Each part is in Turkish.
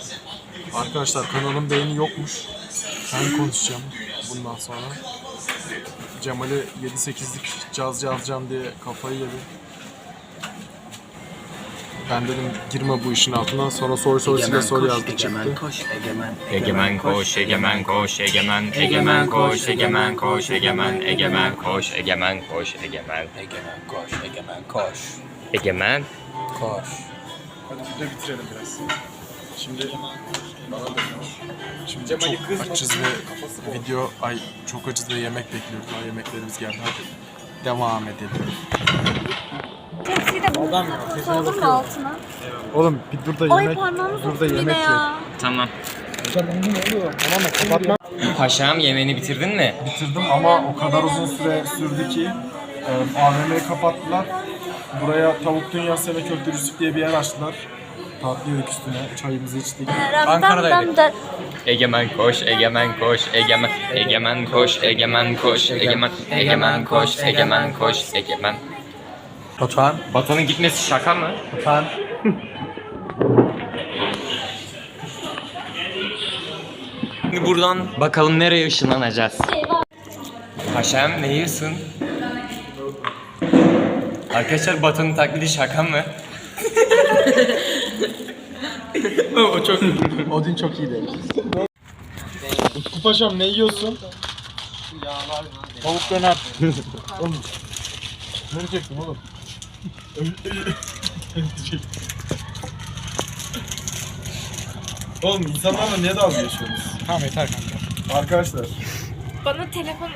Arkadaşlar kanalın beğeni yokmuş. Ben konuşacağım bundan sonra. Cemal'i 7-8'lik caz yazacağım diye kafayı yedi. Ben dedim girme bu işin altına. Sonra soru yazdı çıktı. Egemen koş, egemen koş, egemen, egemen koş, egemen koş, egemen, egemen koş, egemen koş, egemen, Egemen koş, egemen koş. egemen. Koş. Hadi videoyu bitirelim biraz. Şimdi çok açız ve video çok açız ve yemek bekliyoruz. Daha yemeklerimiz geldi. Hadi devam edelim. Tepsiyi de bunu koydum mu altına? Oğlum bir dur da Ay yemek. parmağımı Dur da soktum yemek yine ye. ya. Tamam. Tamam mı? Kapatma. Paşam yemeğini bitirdin mi? Bitirdim ama o kadar uzun süre sürdü ki AVM'yi kapattılar. Buraya Tavuk Dünyası ve Köfte Yusuf diye bir yer açtılar. Tatlı yedik üstüne, çayımızı içtik. Ankara'daydık. Egemen koş, egemen koş, egemen, egemen koş, egemen koş, egemen, egemen koş, egemen koş, egemen. Batuhan. Batu'nun gitmesi şaka mı? Batuhan. Şimdi buradan bakalım nereye ışınlanacağız. Paşam ne yiyorsun? Arkadaşlar Batu'nun taklidi şaka mı? O çok Odin çok iyi değil. Utku Paşam ne yiyorsun? Tavuk döner. Oğlum. Ne çektim oğlum? Oğlum insanlarla niye dalga geçiyorsunuz? Tamam yeter kanka. Arkadaşlar. Bana telefon.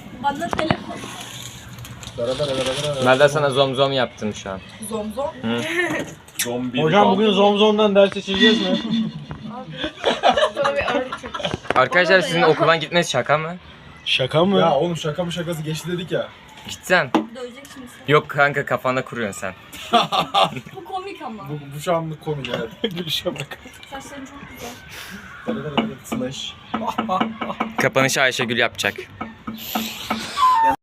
Ben de sana zom yaptım şu an. Zombi. Hocam bugün Zomzom'dan ders seçeceğiz mi? Arkadaşlar sizin okuldan gitmesi şaka mı? Şaka mı? Ya oğlum şaka mı şakası geçti dedik ya. Gitsen. Döveceksin sen. Yok kanka kafanda kuruyorsun sen. Bu komik ama. Bu şu anlık komik evet. Gülüşe bak. Saçların çok güzel. Slash. Kapanışı Ayşegül yapacak.